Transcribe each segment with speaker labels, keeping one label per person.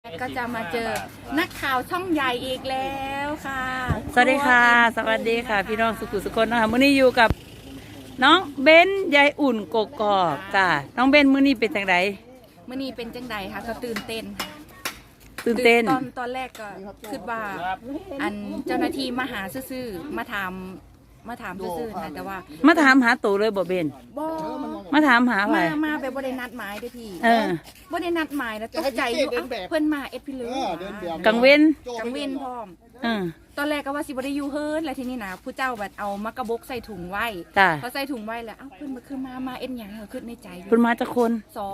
Speaker 1: ก็จะมาเจอนักข่าวช่องใหญ่อีกแล้วค่ะ
Speaker 2: สวัสดีค่ะสวัสดีค่ะพี่น้องสุขุสุคนนะคะมื้อนี้อยู่กับน้องเบนยายอุ่นกกอกค่ะน้องเบนมื้อนี้เป็นจังได
Speaker 1: เมื่อนี้เป็นจังใดคะก็ตื่นเต้นตอนแรกก็คิดว่าอันเจ้าหน้าที่มาหาซื่อๆมาถามซื่อๆนะแต่ว่า
Speaker 2: มาถามหาตู่เลยบ่เบน
Speaker 1: บ่
Speaker 2: มาถามหาไผ
Speaker 1: มาแบบบ่ได้นัดหมายเด้อพี่บ่ได้นัดหมายแล้วตกใจอยู่เพิ่นมาเอ็ดพี่เลย
Speaker 2: กังเว้น
Speaker 1: พร้อมตอนแรกก็ว่าสิบ่ได้อยู่เฮิร์นแล้วทีนี้นะผู้เจ้าแบบเอามากระบกใส่ถุงไว้เขาใส่ถุงไว้แล้วเพิ่นมาคือมาเอ็ดหยังเหรอคิดในใจ
Speaker 2: เพิ่นมาจักคน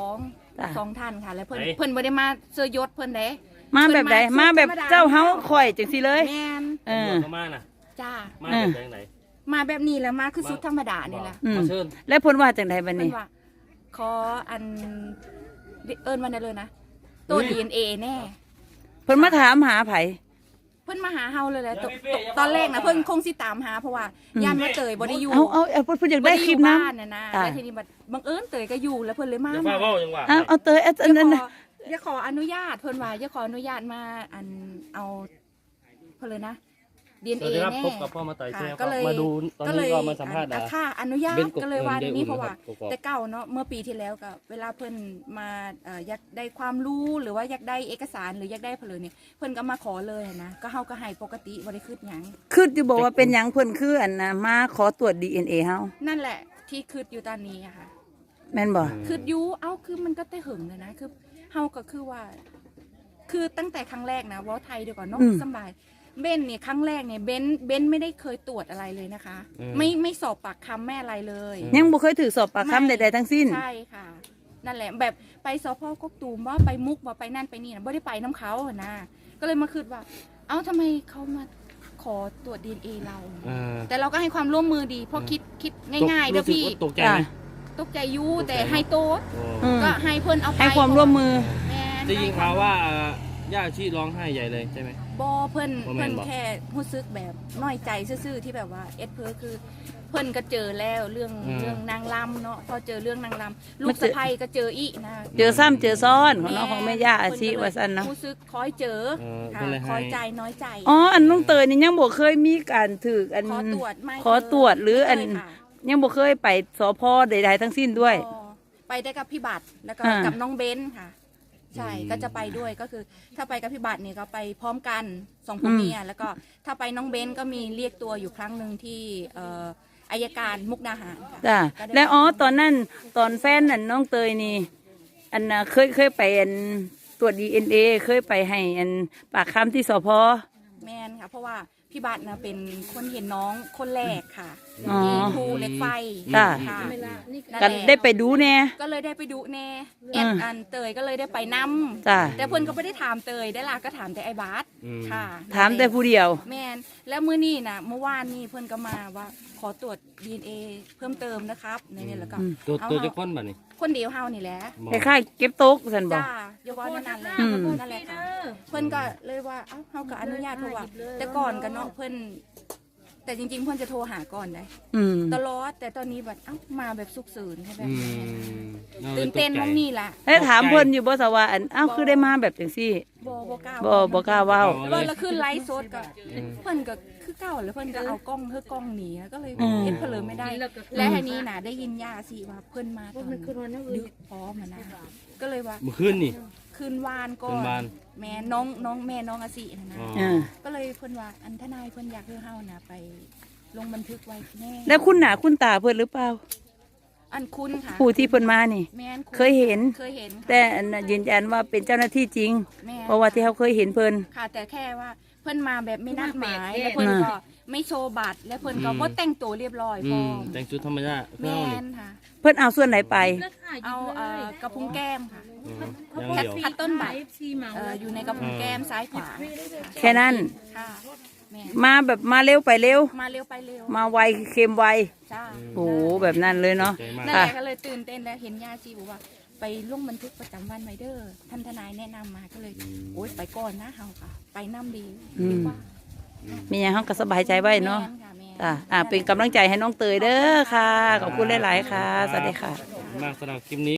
Speaker 1: 2ท่านค่ะแล้วเพิ่นบ่ได้มาเสื้อยศเพิ่นเด้
Speaker 2: มาแบบใดมาแบบเจ้าเฮาข่อยจังซี่เลย
Speaker 1: แม่น
Speaker 3: มาน่ะ
Speaker 1: จ้า
Speaker 3: มาแบบไหน
Speaker 1: มาแบบนี้แล้วมาคือชุดธรรมดานี่แหละ
Speaker 2: แล้วเพิ่นว่าจังไดบัดนี้
Speaker 1: ขออันเอิ้นว่าได้เลยนะตัว DNA แน่
Speaker 2: เพิ่นมาถามหาไผ
Speaker 1: เพิ่นมาหาเฮาเลยแหละตอนแรกนะเพิ่นคงสิตามหาเพราะว่าย่านว่าเตยบ่ได้อยู่
Speaker 2: เอาเพิ่นอยากได้คลิปนั้น
Speaker 1: นะแล้วทีนี้บังเอิญเตยก็อยู่แล้วเพิ่นเลยมา
Speaker 2: เอาเตยอันนั้น
Speaker 1: อย่าขออนุญาตเพิ่นว่าอย่าขออนุญาตมาอันเอาเพิ่นเลยนะDNA แน่
Speaker 3: พบกับพ่อมาต่อยแซ่ก็เลยมาดูตอนนี้ก็มาสัมภาษณ์
Speaker 1: ค่ะอนุญาตก็เลยว่านี้เพราะว่าแต่เก่าเนาะเมื่อปีที่แล้วก็เวลาเพิ่นมาอยากได้ความรู้หรือว่าอยากได้เอกสารหรืออยากได้เพิ่นเลยเนี่ยเพิ่นก็มาขอเลยนะก็เฮาก็ให้ปกติบ่ได้คิดหยัง
Speaker 2: คิดอยู่บอกว่าเป็นหยังเพิ่นคืออันน่ะมาขอตรวจ DNA เฮา
Speaker 1: นั่นแหละที่คิดอยู่ตอนนี้อะค่ะ
Speaker 2: แม่นบ่
Speaker 1: คิดอยู่คือมันก็แต่หึงเลยนะคือเฮาก็คือว่าคือตั้งแต่ครั้งแรกนะว่าไทยเดี๋ยวก่อนเนาะสบายเบนเนี่ยครั้งแรกเนี่ยเบนไม่ได้เคยตรวจอะไรเลยนะคะไม่สอบปากคำแม่อะไรเลย
Speaker 2: ยังบ่เคยถือสอบปากคำใดๆทั้งสิ้น
Speaker 1: ใช่ค่ะนั่นแหละแบบไปสพกกตูมว่าไปมุกว่าไปนั่นไปนี่นะไม่ได้ไปน้ำเขานะก็เลยมาคิดว่าทำไมเขามาขอตรวจ DNA เราแต่เราก็ให้ความร่วมมือดีเพราะคิดง่ายๆเด้อพี่
Speaker 3: ตกใจไหม
Speaker 1: ตกใจอยู่แต่ให้โต๊ดก็ให้เพิ่นเอาไป
Speaker 2: ให้ความร่วมมือ
Speaker 3: ได้ยินข่าวว่าย่าชีร้องไห้ใหญ่เลยใช่ไหม
Speaker 1: บอเพิ่นแค่รู้สึกแบบน้อยใจซื่อๆที่แบบว่าเพื่อคือเพิ่นก็เจอแล้วเรื่องนางลำเนาะพอเจอเรื่องนางลำลูกสะใภ้ก็เจออีกนะ
Speaker 2: เจอซ้ำเจอซ้อนของน้องของแม่ย่าอาชีว่าซั่นเนาะ
Speaker 1: รู้สึกคอยเจอคอยใจน้อยใจ
Speaker 2: อันน้องเตยนี่ยังบ่เคยมีการถืออันขอตรวจหรืออันยังบ่เคยไปสพใดๆทั้งสิ้นด้วย
Speaker 1: ไปได้กับพี่บัตรแล้วก็กับน้องเบนค่ะใช่ก็จะไปด้วยก็คือถ้าไปกับพี่บัตรเนี่ยก็ไปพร้อมกัน2ผัวเมียแล้วก็ถ้าไปน้องเบนก็มีเรียกตัวอยู่ครั้งหนึ่งที่อัยการมุกดาหาร
Speaker 2: จ้ะแล้วตอนนั้นตอนแฟนนั่นน้องเตยนี่อันน่ะเคยไปอันตรวจ DNA เคยไปให้อันปากคำที่สพ.
Speaker 1: แมนค่ะเพราะว่าพี่บัตรนะเป็นคนเห็นน้องคนแรกค่ะที่ภูเหล็กไฟ
Speaker 2: ค่ะกันได้ไปดูแน่
Speaker 1: ก็เลยได้ไปดูแน่อันเตยก็เลยได้ไปนำแต่เพื่อนก็ไม่ได้ถามเตยได้ล่ะก็ถามแต่ไอ้บาสค่ะ
Speaker 2: ถามแต่ผู้เดียว
Speaker 1: แมนแล้วเมื่อนี่นะเมื่อวานนี่เพื่อนก็มาว่าขอตรวจ DNA เพิ่มเติมนะครับในนี้แล้วก็
Speaker 3: ตัวจะค้นแบบนี้
Speaker 1: คนเดียวเฮานี่แหละ
Speaker 2: คล้ายๆเก็บโต๊ะสันบอก
Speaker 1: จ้าอย่าว่านั่นแหละนั่นแหละค่ะเพื่อนก็เลยว่าเฮาก็อนุญาตเพราะว่าแต่ก่อนกันเนาะเพื่อนแต่จริงๆเพื่อนจะโทรหาก่อนได้ตลอดแต่ตอนนี้แบบมาแบบสุกเสริญใช่ไหมตื่นเต้นมองนี่แหละ
Speaker 2: แล้วถามเพื่อนอยู่บ่สว่าคือได้มาแบบจังซี่
Speaker 1: บ่กล้า
Speaker 2: ว้าว
Speaker 1: แล้วคือไลฟ์สดก็เพื่อนก็คือเก่าแล้วเพื่อนก็เอากล้องหนีก็เลยเอ็ดเพลินไม่ได้และทีนี้น่ะได้ยินย่าสิว่าเพื่อนมาตอนดึกพร้อมนะก็เลยว่า
Speaker 3: เมื่อคืนนี่
Speaker 1: คืนวานก่อนแม่น้องแม่น้องอาศินะก็เลยเพื่อนว่าอันทนายเพื่อนอยากให้เฮานะไปลงบันทึกไว้แน่
Speaker 2: แล้วคุณหนาคุณตาเพื่อนหรือเปล่า
Speaker 1: อันคุณค่ะ
Speaker 2: ผู้ที่เพิ่นมานี่เคยเห็นแต่ยืนยันว่าเป็นเจ้าหน้าที่จริงเพราะว่าที่เขาเคยเห็นเพิ่น
Speaker 1: ค่ะแต่แค่ว่าเพิ่นมาแบบไม่นัดหมายแล้วเพิ่นก็ไม่โชว์บัตรแล้วเพิ่นก็บ่แต่งตัวเรียบร้อยพอ
Speaker 3: แต่งชุดธรรมดา
Speaker 1: แม่นค่ะ
Speaker 2: เพิ่นเอาส่วนไหนไป
Speaker 1: เอากระพุ้งแก้มค่ะพัดต้นใบอยู่ในกระพุ้งแก้มซ้ายขวา
Speaker 2: แค่นั้น
Speaker 1: ค่ะ
Speaker 2: มาแบบมาเร็วไปเร็ว
Speaker 1: ไปเร็ว
Speaker 2: มาไวเค็มไวโอ้แบบนั้นเลยเนาะ
Speaker 1: นั่นแหละก็เลยตื่นเต้นแล้วเห็นย่าจีบอกว่าไปลงบันทึกประจำวันไว้เด้อท่านทนายแนะนำมาก็เลยโอ๊ยไปก่อนนะเฮาค่ะไปน้ำดีว่า
Speaker 2: มีอย่างเขาก็สบายใจไว้เนาะเป็นกำลังใจให้น้องเตยเด้อค่ะขอบคุณหลายๆค่ะสวัสดีค่ะ
Speaker 3: มากสำหรับคลิปนี้